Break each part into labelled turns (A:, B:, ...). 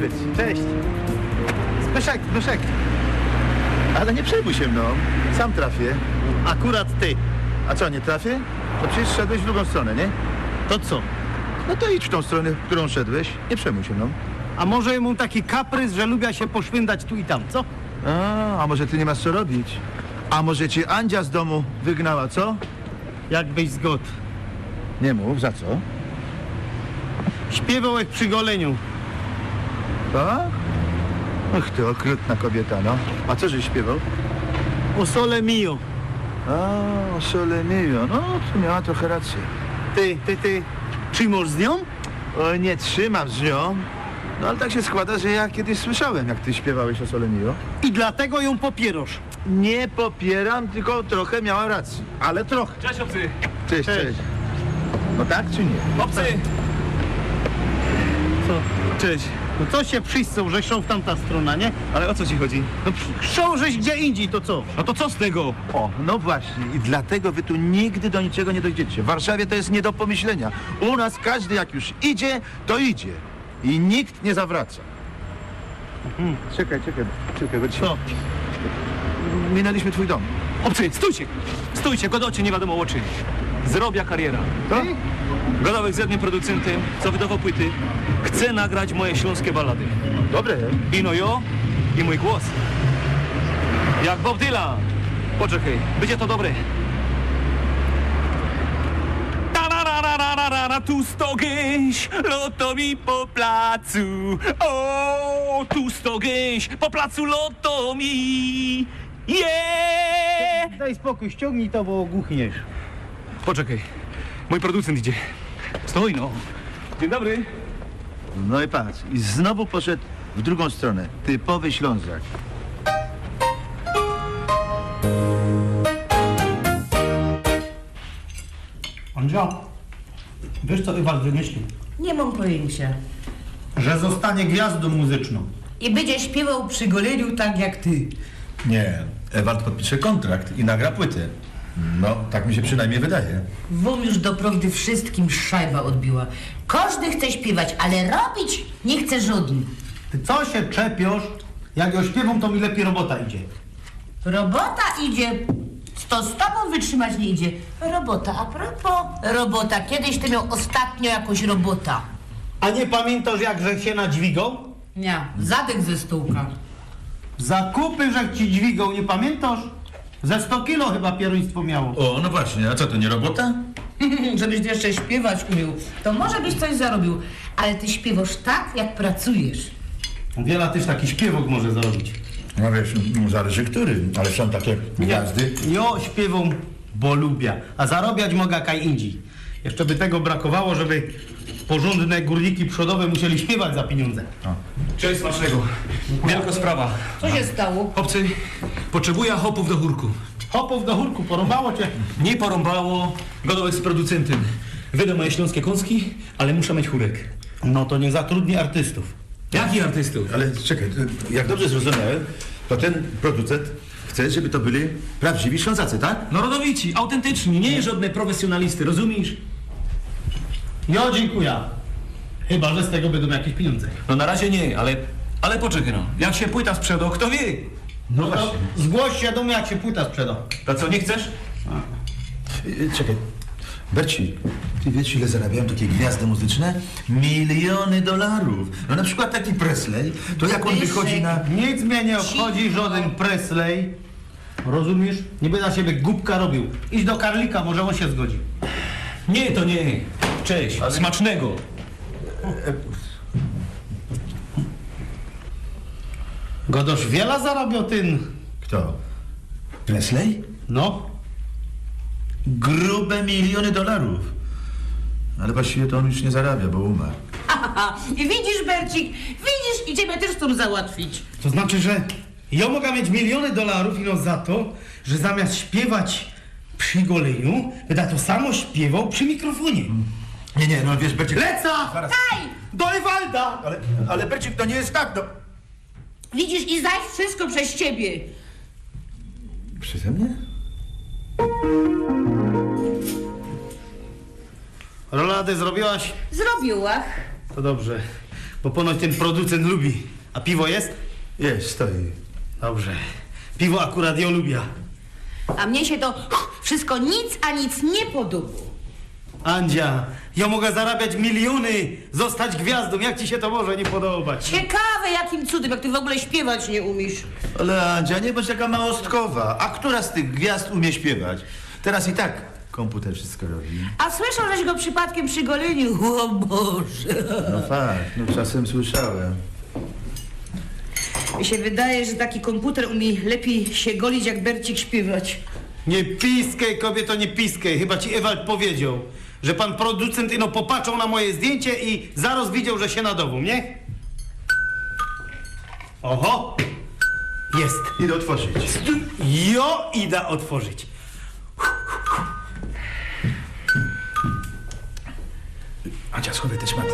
A: Berci, cześć. Zbyszek. Ale nie przejmuj się mną, sam trafię.
B: Akurat ty.
A: A co, nie trafię? To przecież szedłeś w drugą stronę, nie?
B: To co?
A: No to idź w tą stronę, w którą szedłeś. Nie przejmuj się mną.
B: A może mu taki kaprys, że lubię się poszwindać tu i tam, co?
A: A może ty nie masz co robić? A może cię Andzia z domu wygnała, co?
B: Jakbyś zgodł.
A: Nie mów, za co?
B: Śpiewał jak przy goleniu.
A: Tak? Ach, ty okrutna kobieta, no. A co żeś śpiewał?
B: O sole mio.
A: A, Sole Mio. No, to miała trochę rację.
B: Ty. Trzymasz z nią?
A: O, nie trzymam z nią. No ale tak się składa, że ja kiedyś słyszałem, jak ty śpiewałeś o Sole Mio.
B: I dlatego ją popierasz.
A: Nie popieram, tylko trochę miała rację. Ale trochę.
C: Cześć obcy!
A: Cześć. No tak czy nie?
C: Obcy!
B: Co?
C: Cześć!
B: No co się wszyscy rzeszą w tamta strona, nie?
C: Ale o co ci chodzi?
B: No chcą żeś gdzie indziej, to co?
C: No to co z tego?
A: O, no właśnie. I dlatego wy tu nigdy do niczego nie dojdziecie. W Warszawie to jest nie do pomyślenia. U nas każdy jak już idzie, to idzie. I nikt nie zawraca. Czekaj, bo dzisiaj...
B: Co?
A: Minęliśmy twój dom.
C: Obcy, stójcie! Stójcie, godocie nie wiadomo o czym. Zrobia kariera.
A: To?
C: Godołek ze mnie producentem, co wydawał płyty, chce nagrać moje śląskie ballady.
A: Dobre.
C: Ino jo i mój głos. Jak Bob Dylan. Poczekaj, będzie to dobre. Tu sto gęś, loto mi po placu. O, tu sto gęś, po placu loto mi.
B: Daj spokój, ściągnij to, bo ogłuchniesz.
C: Poczekaj, mój producent idzie. Stoi no. Dzień dobry.
A: No i patrz. I znowu poszedł w drugą stronę. Typowy Ślązak.
B: Andzia, wiesz co Ewald wymyślił?
D: Nie mam pojęcia.
B: Że zostanie gwiazdą muzyczną.
D: I będzie śpiewał przy goleniu tak jak ty.
E: Nie, Ewald podpisze kontrakt i nagra płytę. No, tak mi się przynajmniej wydaje.
D: Wam już doprawdy wszystkim szajba odbiła. Każdy chce śpiewać, ale robić nie chce żaden.
B: Ty co się czepiasz? Jak ja śpiewam, to mi lepiej robota idzie.
D: Robota idzie. To z tobą wytrzymać nie idzie. Robota, a propos. Robota. Kiedyś ty miał ostatnio jakąś robota.
B: A nie pamiętasz, jakże się nadźwigał?
D: Nie, zadek ze stołka.
B: Zakupy, że ci dźwigał, nie pamiętasz? Ze 100 kilo chyba pieruństwo miało.
E: O, no właśnie, a co to nie robota?
D: Żebyś ty jeszcze śpiewać umiał, to może byś coś zarobił. Ale ty śpiewasz tak, jak pracujesz.
B: Wiela też taki śpiewok może zarobić.
E: No wiesz, zależy który, ale są takie gwiazdy.
B: Jo śpiewam, bo lubię, a zarabiać mogę kaj indziej. Jeszcze by tego brakowało, żeby porządne górniki przodowe musieli śpiewać za pieniądze.
C: Cześć smacznego. Wielka sprawa.
D: Co się stało?
C: Obcy, potrzebuję hopów do chórku.
B: Hopów do chórku, porąbało cię.
C: Nie porąbało, godołek z producentem. Wyda moje śląskie kąski, ale muszę mieć chórek.
B: No to nie zatrudni artystów.
C: Jakich artystów?
E: Ale czekaj, jak dobrze zrozumiałem, to ten producent chce, żeby to byli prawdziwi Ślązacy, tak?
C: No rodowici, autentyczni, nie żadne profesjonalisty, rozumiesz?
B: Jo, dziękuję. Chyba, że z tego będą jakieś pieniądze.
C: No na razie nie, ale poczekaj no. Jak się płyta sprzeda, kto wie?
B: No to zgłoś się do mnie, jak się płyta sprzeda.
C: To co, nie chcesz?
E: Czekaj, Berci, ty wiesz, ile zarabiają takie gwiazdy muzyczne? $miliony. No na przykład taki Presley, to jak on wychodzi na...
B: Nic mnie nie obchodzi, żaden Presley. Rozumiesz? Nie będę na siebie głupka robił. Idź do Karlika, może on się zgodzi.
C: Nie, to nie. Cześć, smacznego.
B: Godosz wiele zarabiał ten...
E: Kto? Presley?
B: No.
E: Grube $miliony. Ale właściwie to on już nie zarabia, bo umarł.
D: I widzisz, Bercik, widzisz, i ciebie też chcą załatwić.
B: To znaczy, że ja mogę mieć $miliony ino za to, że zamiast śpiewać przy goleniu, będę to samo śpiewał przy mikrofonie.
E: Nie, no wiesz, Bercik...
B: Leca!
D: Daj!
B: Do Ewalda!
E: Ale Bercik, to nie jest tak, no...
D: Widzisz, i zaś wszystko przez ciebie.
E: Przeze mnie?
B: Rolady zrobiłaś?
D: Zrobiła.
B: To dobrze. bo ponoć ten producent lubi. A piwo jest?
E: Jest, stoi.
B: Dobrze. Piwo akurat ja lubię.
D: A mnie się to wszystko nic a nic nie podoba.
B: Andzia, ja mogę zarabiać miliony, zostać gwiazdą. Jak ci się to może nie podobać?
D: Ciekawe jakim cudem, jak ty w ogóle śpiewać nie umiesz.
A: Ale Andzia, nie bądź taka małostkowa. A która z tych gwiazd umie śpiewać? Teraz i tak komputer wszystko robi.
D: A słyszał, żeś go przypadkiem przy goleniu? O Boże.
A: No fakt, no czasem słyszałem.
D: Mi się wydaje, że taki komputer umie lepiej się golić, jak Bercik śpiewać.
B: Nie piskaj, kobieto, nie piskaj. Chyba ci Ewald powiedział, że pan producent ino popatrzał na moje zdjęcie i zaraz widział, że się nadową, nie? Oho! Jest.
A: Idę otworzyć.
B: Jo idę otworzyć.
E: Andzia, schowaj te szmaty.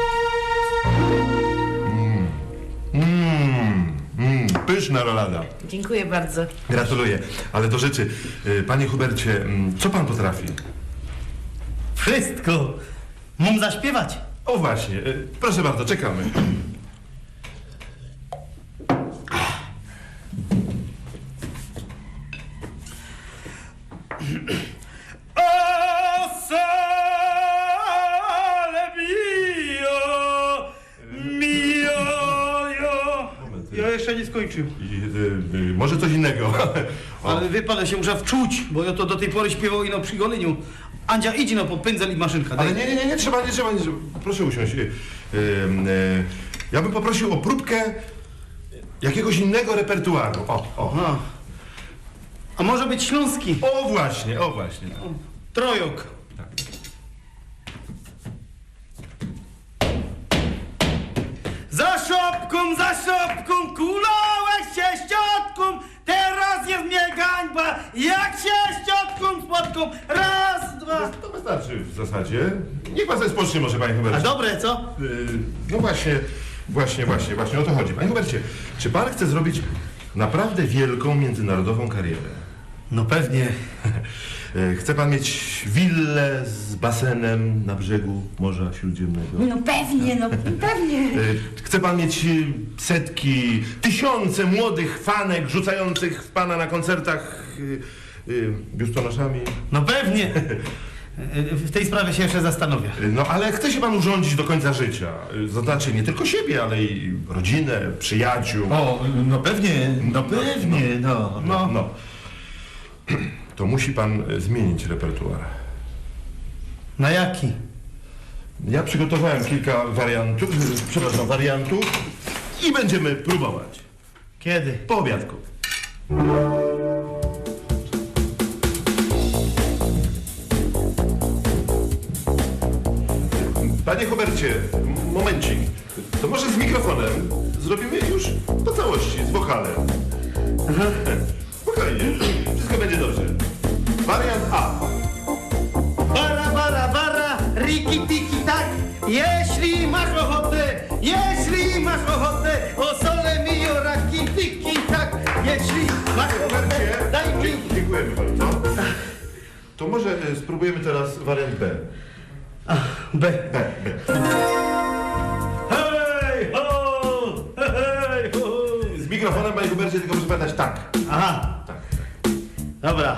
F: Pyszna rolada.
D: Dziękuję bardzo.
F: Gratuluję. Ale do rzeczy. Panie Hubercie, co pan potrafi?
B: Wszystko. Mam zaśpiewać.
F: O właśnie. Proszę bardzo, czekamy.
B: O sole mio, ja jeszcze nie skończył.
F: Może coś innego.
B: Ale wie pan, ja się muszę wczuć, bo ja to do tej pory śpiewał ino przy goleniu. Andzia, idź no po pędzel i maszynka.
F: Ale
B: daj.
F: nie trzeba. Proszę usiąść. Ja bym poprosił o próbkę jakiegoś innego repertuaru. O.
B: Aha. A może być śląski?
F: O właśnie.
B: Trojok. Za szopką, kulałeś się ściotką, teraz jest mnie gańba, jak się ściotką spotką, raz, dwa.
F: To wystarczy w zasadzie. Niech pan sobie spocznie może, panie
B: A
F: Hubercie.
B: dobre, co?
F: No właśnie o to chodzi. Panie Hubercie, czy pan chce zrobić naprawdę wielką międzynarodową karierę?
B: No pewnie.
F: Chce pan mieć willę z basenem na brzegu Morza Śródziemnego?
D: No pewnie, pewnie.
F: Chce pan mieć setki, tysiące młodych fanek rzucających w pana na koncertach biustonoszami?
B: No pewnie. W tej sprawie się jeszcze zastanowię.
F: No ale chce się pan urządzić do końca życia. Znaczy nie tylko siebie, ale i rodzinę, przyjaciół.
E: O, no pewnie.
F: No. To musi pan zmienić repertuar.
B: Na jaki?
F: Ja przygotowałem kilka wariantów i będziemy próbować.
B: Kiedy?
F: Po obiadku. Panie Hubercie, momencik. To może z mikrofonem zrobimy już po całości, z wokalem. Spokojnie, wszystko będzie dobrze. Wariant A.
B: Bara, riki tiki tak, jeśli masz ochotę, o sole mio, raki tiki tak, jeśli masz ochotę, daj mi.
F: Dziękujemy bardzo. To może spróbujemy teraz wariant B.
B: B.
F: B.
B: Hej ho!
F: Z mikrofonem, panie Hubercie, tylko proszę pamiętać tak.
B: Aha,
F: Tak.
B: dobra.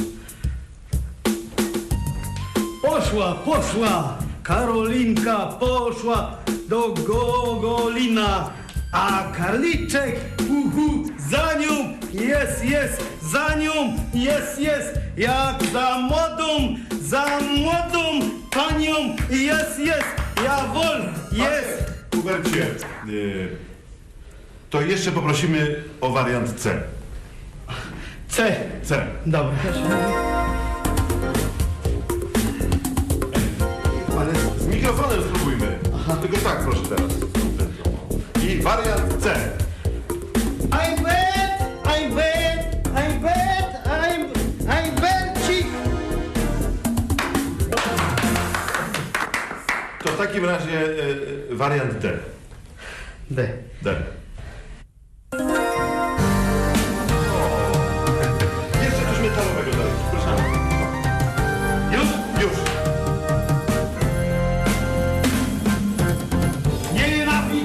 B: Poszła, Karolinka poszła do Gogolina, a Karliczek, za nią jest, za nią jest, jak za młodą panią jest, ja wol, jest.
F: Hubercie, to jeszcze poprosimy o wariant C.
B: C.
F: C.
B: Dobra.
F: Ale z mikrofonem spróbujmy. Tylko tak, proszę teraz. I wariant C.
B: I'm Bercik.
F: To w takim razie wariant D.
B: D.
F: D. Jeszcze coś metalowego dalej. Proszę. Już? Już.
B: Nienawidzę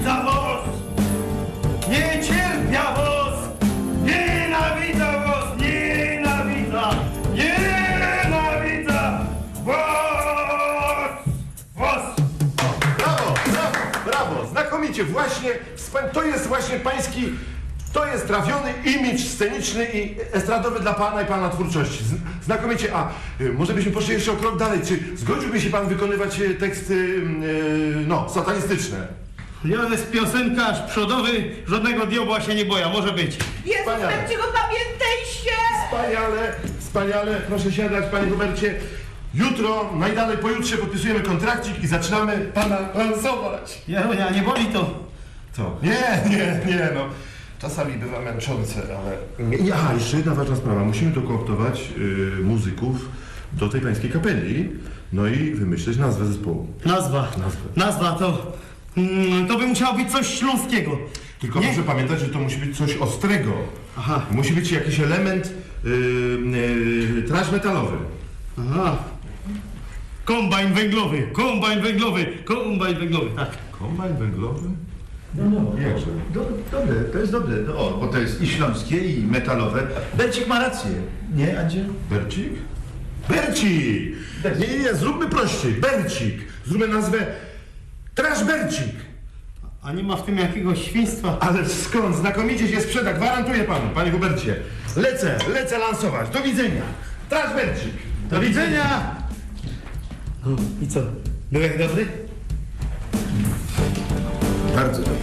F: znakomicie, właśnie, to jest właśnie pański, to jest trafiony imidż sceniczny i estradowy dla pana i pana twórczości. Znakomicie, a może byśmy poszli jeszcze o krok dalej, czy zgodziłby się pan wykonywać teksty, no, satanistyczne?
B: Ja jest piosenkarz przodowy, żadnego diabła się nie boja, może być.
D: Jezus,
F: Wspaniale.
D: Berciego, pamiętaj się!
F: Wspaniale, wspaniale, proszę siadać, panie Hubercie. Jutro, najdalej pojutrze podpisujemy kontrakcik i zaczynamy pana lansować.
B: Jarunia, nie boli to?
F: Co? Nie, no. Czasami bywa męczące, ale... Aha, jeszcze jedna ważna sprawa. Musimy dokooptować muzyków do tej pańskiej kapeli, no i wymyśleć nazwę zespołu.
B: Nazwa to by musiało być coś śląskiego.
F: Tylko
B: Nie?
F: proszę pamiętać, że to musi być coś ostrego.
B: Aha.
F: Musi być jakiś element trash metalowy.
B: Aha. Kombajn węglowy, tak.
F: Kombajn węglowy?
A: No,
F: Jakże?
A: Dobre, to jest dobre. No, o, bo to jest i śląskie, i metalowe. Bercik ma rację. Nie, Andzie?
F: Bercik? Bercik! Nie, zróbmy prościej. Bercik. Zróbmy nazwę Trash Bercik.
B: A nie ma w tym jakiegoś świństwa?
F: Ale skąd? Znakomicie się sprzeda, gwarantuję panu, panie Hubercie. Lecę lansować. Do widzenia. Trash Bercik.
B: Do widzenia! No i co? Byłek dobry?
A: Bardzo dobry.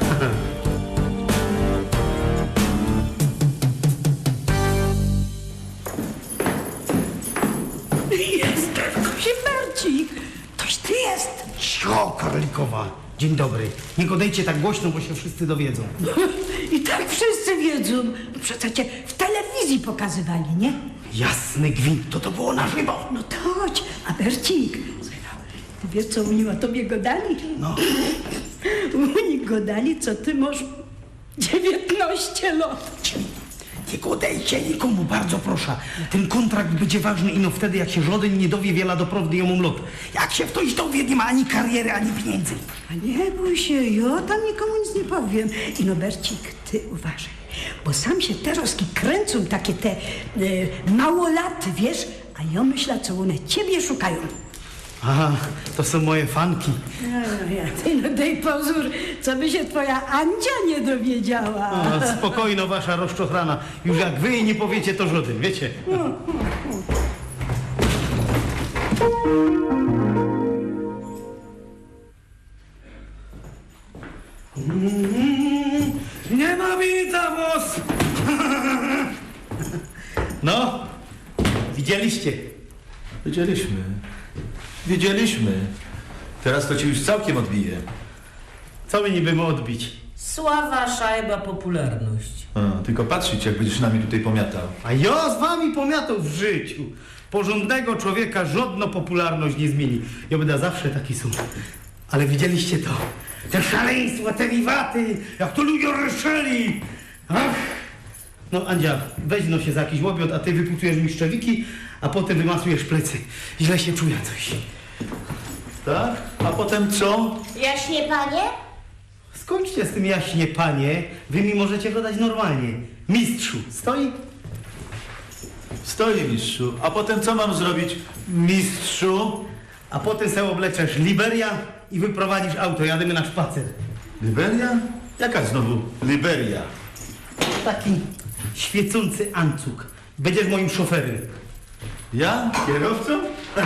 G: Jestem Bercik. Toś ty jest.
B: Cio, Karlikowa. Dzień dobry. Nie godejcie tak głośno, bo się wszyscy dowiedzą.
G: I tak wszyscy wiedzą. Przecież cię w telewizji pokazywali, nie?
B: Jasny gwint, to było na żywo.
G: No to chodź. A Bercik, słuchaj, no, ty wiesz, co oni o tobie godali?
B: No.
G: Oni godali, co ty masz 19 lat.
B: Nie godejcie nikomu, bardzo proszę. Ten kontrakt będzie ważny ino wtedy, jak się żaden nie dowie wiela doprawdy ją lot. Jak się ktoś dowie, nie ma ani kariery, ani pieniędzy.
G: A nie bój się, ja tam nikomu nic nie powiem. I no Bercik, ty uważaj, bo sam się teraz kręcą takie te małolaty, wiesz? A ja myślę, co one ciebie szukają.
B: Aha, to są moje fanki.
G: Ty no daj pozór, co by się twoja Andzia nie dowiedziała.
B: A, spokojno, wasza rozczochrana. Już jak wy jej nie powiecie, to żaden, wiecie? Nienawidza was! No, widzieliście?
A: Wiedzieliśmy. Teraz to ci już całkiem odbije.
B: Co my niby ma odbić?
D: Sława, szajba, popularność.
A: A, tylko patrzeć, jak będziesz nami tutaj pomiatał.
B: A ja z wami pomiatał w życiu. Porządnego człowieka żadna popularność nie zmieni. Ja będę zawsze taki sam. Ale widzieliście to? Te szaleństwa, te wiwaty, jak to ludzie ryszeli. Ach. No Andzia, weź no się za jakiś łobiot, a ty wyputujesz mi szczewiki, a potem wymasujesz plecy. Źle się czuję coś.
A: Tak? A potem co?
D: Jaśnie, panie?
B: Skończcie z tym jaśnie, panie. Wy mi możecie go dać normalnie. Mistrzu, stoi?
A: Stoi, mistrzu. A potem co mam zrobić, mistrzu?
B: A potem se obleczesz Liberia i wyprowadzisz auto. Jadymy na szpacer.
A: Liberia? Jaka znowu Liberia?
B: Taki świecący ancuk. Będziesz moim szoferem.
A: Ja? Kierowcą?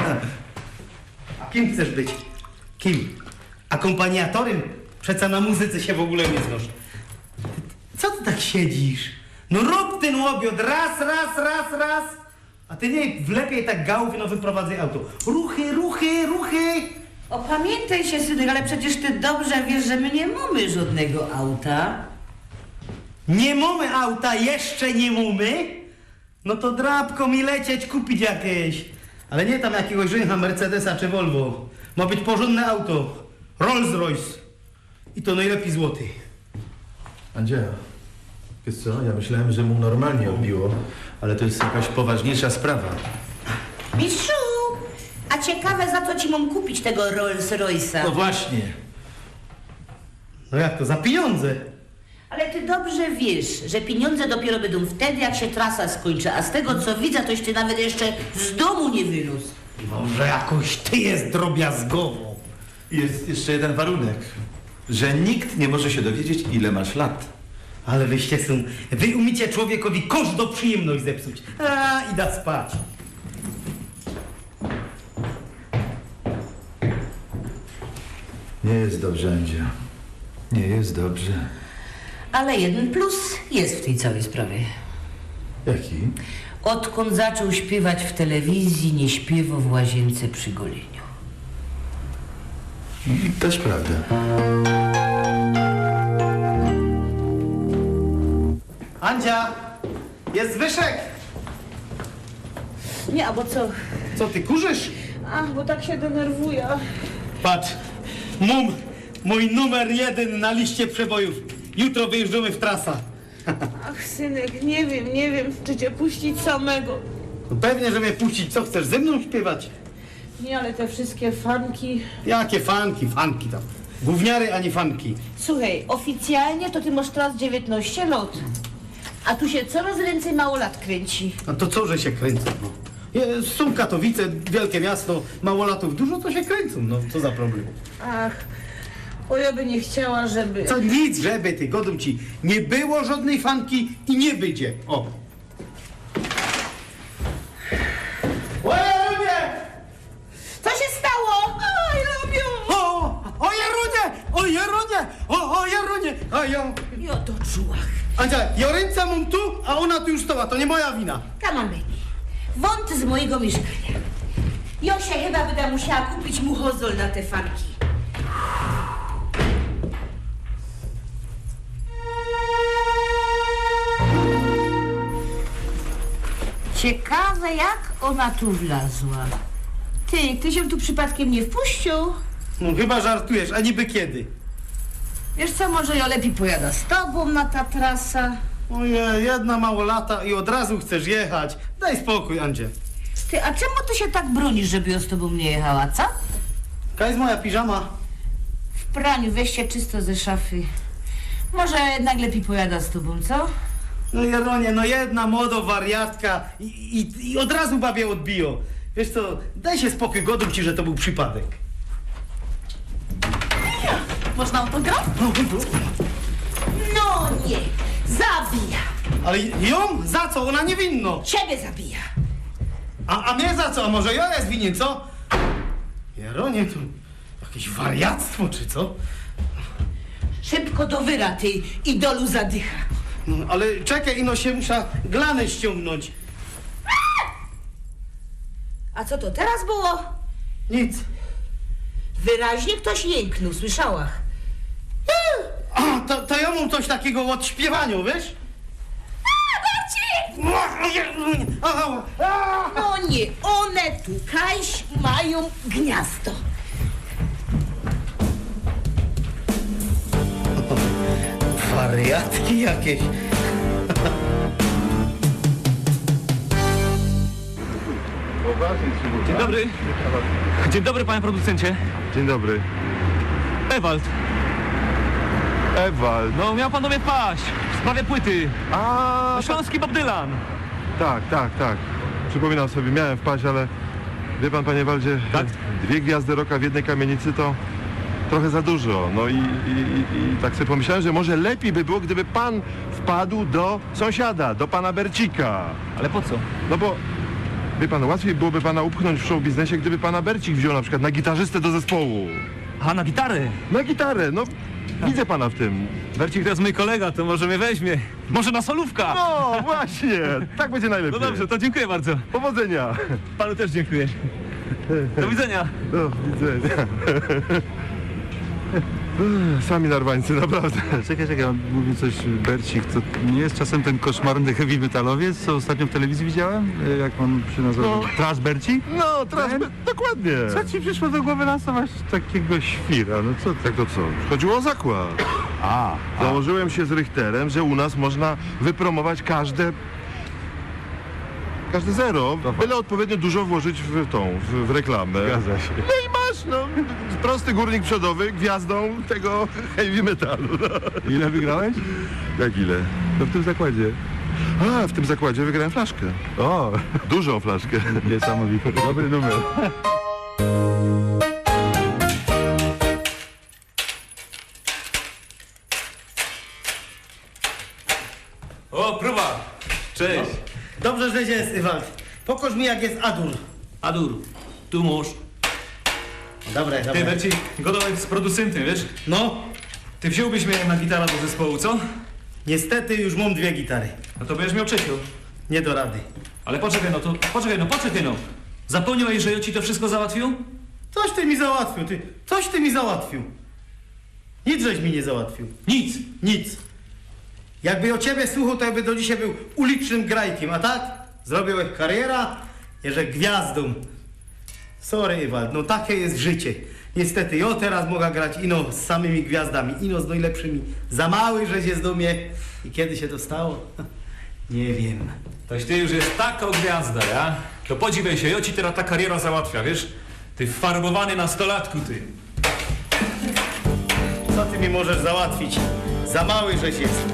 B: A kim chcesz być? Kim? Akompaniatorem? Przeca na muzyce się w ogóle nie znasz. Co ty tak siedzisz? No rób ten łobiot raz. A ty nie wlepiej tak gałów, no wyprowadzaj auto. Ruchy.
D: Opamiętaj się, synek, ale przecież ty dobrze wiesz, że my nie mamy żadnego auta.
B: Nie mamy auta, jeszcze nie mamy? No to drapko mi lecieć kupić jakieś. Ale nie tam jakiegoś żyncha Mercedesa czy Volvo. Ma być porządne auto. Rolls Royce. I to najlepiej złoty.
A: Andzia, wiesz co? Ja myślałem, że mu normalnie obiło, ale to jest jakaś poważniejsza sprawa.
D: Mistrzu, a ciekawe, za co ci mam kupić tego Rolls Royce'a?
A: No właśnie.
B: No jak to? Za pieniądze.
D: Ale ty dobrze wiesz, że pieniądze dopiero będą wtedy, jak się trasa skończy, a z tego, co widzę, toś ty nawet jeszcze z domu nie wyrósł.
B: Może jakoś ty jest drobiazgowo.
A: Jest jeszcze jeden warunek.
E: że nikt nie może się dowiedzieć, ile masz lat.
B: Ale wyście są... Wy umiecie człowiekowi każdą przyjemność zepsuć. A, idę spać.
E: Nie jest dobrze, Andzia. Nie jest dobrze.
D: Ale jeden plus jest w tej całej sprawie.
E: Jaki?
D: Odkąd zaczął śpiewać w telewizji, nie śpiewał w łazience przy goleniu.
E: Też prawda.
B: Andzia! Jest Zbyszek!
H: Nie, a bo co?
B: Co, ty kurzysz?
H: Ach, bo tak się denerwuję.
B: Patrz, mój numer 1 na liście przebojów. Jutro wyjeżdżamy w trasa.
H: Ach, synek, nie wiem, czy cię puścić samego.
B: No pewnie, że mnie puścić. Co, chcesz ze mną śpiewać?
H: Nie, ale te wszystkie fanki...
B: Jakie fanki tam. Gówniary, a nie fanki.
H: Słuchaj, oficjalnie to ty masz teraz 19 lat. A tu się coraz więcej małolat kręci.
B: A to co, że się kręcą? No? Są Katowice, wielkie miasto, małolatów dużo, to się kręcą. No, co za problem?
H: Ach, o ja by nie chciała, żeby...
B: Co nic, żeby ty, godą ci. Nie było żadnej fanki i nie będzie. O. Jarunie!
H: Co się stało? Oj, lubią!
B: O Jarunie! O Jarunie! A ja...
H: Ja to czułach.
B: Andzia, ja ręce mam tu, a ona tu już stała. To nie moja wina.
D: Come on, baby. Wąt z mojego mieszkania. Josia chyba będę musiała kupić mu hozol na te fanki. Ciekawe, jak ona tu wlazła. Ty się tu przypadkiem nie wpuścił?
B: No chyba żartujesz, a niby kiedy?
D: Wiesz co, może ja lepiej pojada z tobą na ta trasa.
B: Ojej, jedna małolata i od razu chcesz jechać. Daj spokój, Andzie.
D: Ty, a czemu ty się tak bronisz, żeby ja z tobą nie jechała, co?
B: Jaka jest moja piżama?
D: W praniu, weź się czysto ze szafy. Może jednak lepiej pojada z tobą, co?
B: No Jaronie, no jedna młoda wariatka i od razu babie odbiją. Wiesz co, daj się spokój, godą ci, że to był przypadek.
H: Można autograf?
D: No nie, zabija.
B: Ale ją? Za co? Ona niewinno.
D: Ciebie zabija.
B: A mnie za co? A może ja jest winien, co? Jaronie, to jakieś wariactwo, czy co?
D: Szybko do wyra, ty idolu zadycha.
B: No, ale czekaj, ino się muszę glanę ściągnąć.
D: A co to teraz było?
B: Nic.
D: Wyraźnie ktoś jęknął, słyszałach.
B: A, to ja mam coś takiego od śpiewaniu, wiesz?
D: No nie, one tu, Kaś, mają gniazdo.
B: Wariatki jakieś.
C: Dzień dobry. Dzień dobry, panie producencie.
F: Dzień dobry.
C: Ewald,
F: Ewald.
C: no miał pan do mnie paść w sprawie płyty.
F: A,
C: Śląski Bob Dylan.
F: tak. Przypominam sobie, miałem wpaść, ale wie pan, panie Waldzie,
C: Tak?
F: 2 gwiazdy rocka w jednej kamienicy to trochę za dużo. No i tak sobie pomyślałem, że może lepiej by było, gdyby pan wpadł do sąsiada, do pana Bercika.
C: Ale po co?
F: No bo, wie pan, łatwiej byłoby pana upchnąć w show biznesie, gdyby pana Bercik wziął na przykład na gitarzystę do zespołu.
C: A, na gitarę.
F: Na gitarę, no widzę pana w tym.
C: Bercik to jest mój kolega, to może mnie weźmie. Może na solówka.
F: No właśnie, tak będzie
C: No
F: najlepiej.
C: dobrze, to dziękuję bardzo.
F: Powodzenia.
C: Panu też dziękuję. Do widzenia.
F: Do widzenia. Sami narwańcy, naprawdę.
I: Czekaj, on mówi coś Bercik, to nie jest czasem ten koszmarny heavy metalowiec, co ostatnio w telewizji widziałem? Jak on się nazywa?
F: No.
I: Trash Bercik?
F: No, teraz dokładnie.
I: Co ci przyszło do głowy lansować takiego świra? No co
F: Tak to co? Chodziło o zakład. Założyłem się z Richterem, że u nas można wypromować każde zero, byle odpowiednio dużo włożyć w reklamę.
I: Zgadza się.
F: No i masz, no, prosty górnik przodowy gwiazdą tego heavy metalu. No.
I: Ile wygrałeś?
F: Jak ile?
I: No w tym zakładzie.
F: A, w tym zakładzie wygrałem flaszkę.
I: O,
F: Dużą flaszkę.
I: niesamowite. Dobry numer.
C: O, próba! Cześć!
B: Dobrze, że jest, Ewald. Pokaż mi, jak jest Adur.
C: Adur, tu mąż.
B: Dobra,
C: Ty,
B: dobra.
C: Berci, godowek z producentem, wiesz?
B: No,
C: Ty wziąłbyś mnie na gitarę do zespołu, co?
B: niestety już mam 2 gitary.
C: No to będziesz miał trzecią.
B: Nie do rady.
C: Ale poczekaj no. Zapomniałeś, że ja ci to wszystko załatwił?
B: Coś ty mi załatwił, ty. Coś ty mi załatwił. Nic żeś mi nie załatwił.
C: Nic.
B: Nic. Jakby o ciebie słuchał, to jakby do dzisiaj był ulicznym grajkiem, a tak? Zrobiłeś kariera, że gwiazdą. Sorry, Ewald, no takie jest życie. Niestety, ja teraz mogę grać ino z samymi gwiazdami, ino z najlepszymi. Za mały, żeś jest do mnie. I kiedy się to stało? Nie wiem.
C: Toś ty już jest taka gwiazda, ja? To podziwiaj się, ja ci teraz ta kariera załatwia, wiesz? Ty farbowany nastolatku, ty.
B: Co ty mi możesz załatwić? Za mały, żeś jest.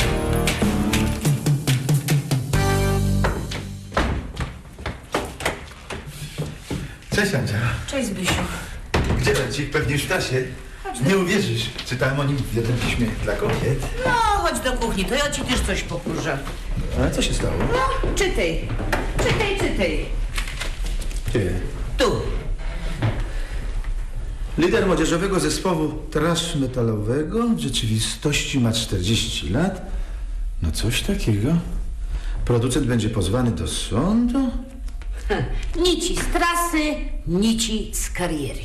E: Cześć, Andzia.
D: Cześć, Zbysiu.
E: Gdzie Bercik? Pewnie już w trasie. Nie uwierzysz. Czytałem o nim w jednym piśmie dla kobiet.
D: No, chodź do kuchni, to ja ci też coś pokurzę.
E: Ale co się stało?
D: No, czytaj. Czytaj.
E: Gdzie?
D: Tu.
E: Lider młodzieżowego zespołu thrash metalowego w rzeczywistości ma 40 lat. No coś takiego. Producent będzie pozwany do sądu?
D: Nici z trasy, nici z kariery.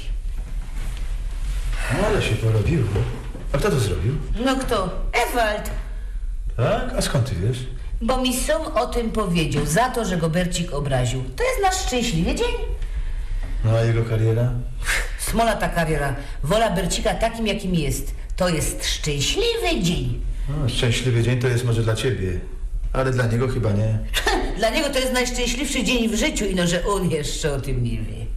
E: Ale się porobiło. A kto to zrobił?
D: No kto? Ewald.
E: Tak? A skąd ty wiesz?
D: Bo mi Som o tym powiedział, za to, że go Bercik obraził. To jest nasz szczęśliwy dzień.
E: No a jego kariera?
D: Smola ta kariera. Wola Bercika takim, jakim jest. To jest szczęśliwy dzień.
E: No, szczęśliwy dzień to jest może dla ciebie, ale dla niego chyba nie.
D: Dla niego to jest najszczęśliwszy dzień w życiu, ino że on jeszcze o tym nie wie.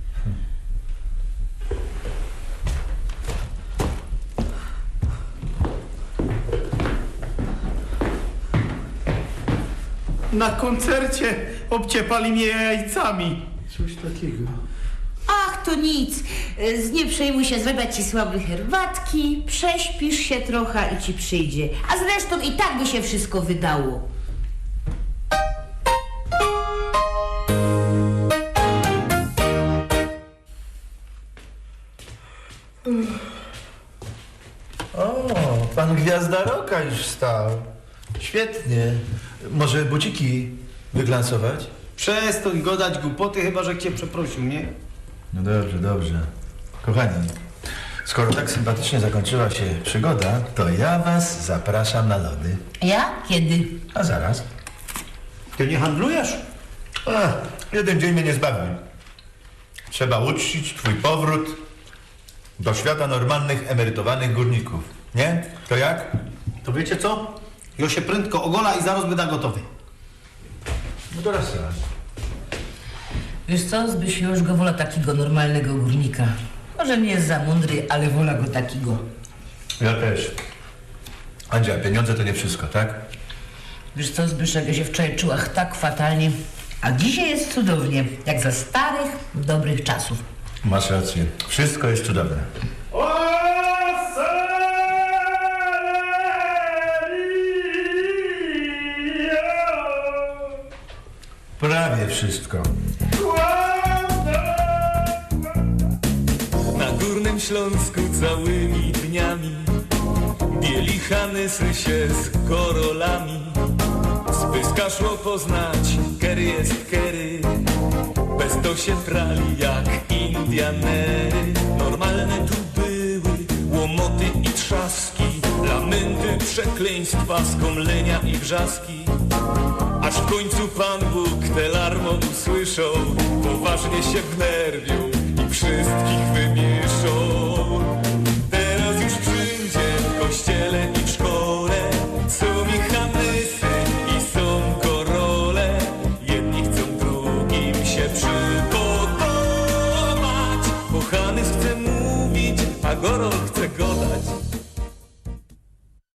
B: Na koncercie obciepali mnie jajcami.
E: Coś takiego.
D: Ach, to nic. Nie przejmuj się, zrobię ci słabe herbatki, prześpisz się trochę i ci przyjdzie. A zresztą i tak by się wszystko wydało.
E: O, pan Gwiazda Roka już stał. Świetnie. Może buciki wyglansować?
B: Przestań godać głupoty, chyba że cię przeprosił, nie?
E: No dobrze, dobrze. Kochani, skoro tak sympatycznie zakończyła się przygoda, to ja was zapraszam na lody.
D: Ja? Kiedy?
E: A zaraz.
B: Ty nie handlujesz?
E: Jeden dzień mnie nie zbawi. Trzeba uczcić twój powrót do świata normalnych, emerytowanych górników. Nie? To jak?
B: To wiecie co? Jo się prędko ogola i zaraz będę gotowy.
E: No to raz.
D: Wiesz co, Zbysiu, już go wola takiego normalnego górnika. Może nie jest za mądry, ale wola go takiego.
E: Ja też. Andzia, pieniądze to nie wszystko, tak?
D: Wiesz co, Zbyszek, ja się wczoraj czuła tak fatalnie, a dzisiaj jest cudownie, jak za starych, dobrych czasów.
E: Masz rację. Wszystko jest cudowne. Prawie wszystko.
C: Na Górnym Śląsku całymi dniami bieli hanysy się z korolami. Spyska szło poznać, kery jest kery, bez to się prali jak Indianery. Normalne tu były łomoty i trzaski, lamenty, przekleństwa, skomlenia i wrzaski. Aż w końcu Pan Bóg te larmon usłyszał, poważnie się wnerwił i wszystkich wymieszał. Teraz już wszędzie, w kościele i w szkole są i hanysy i są korole. Jedni chcą drugim się przypodobać, bo hanys chce mówić, a gorol chce godać.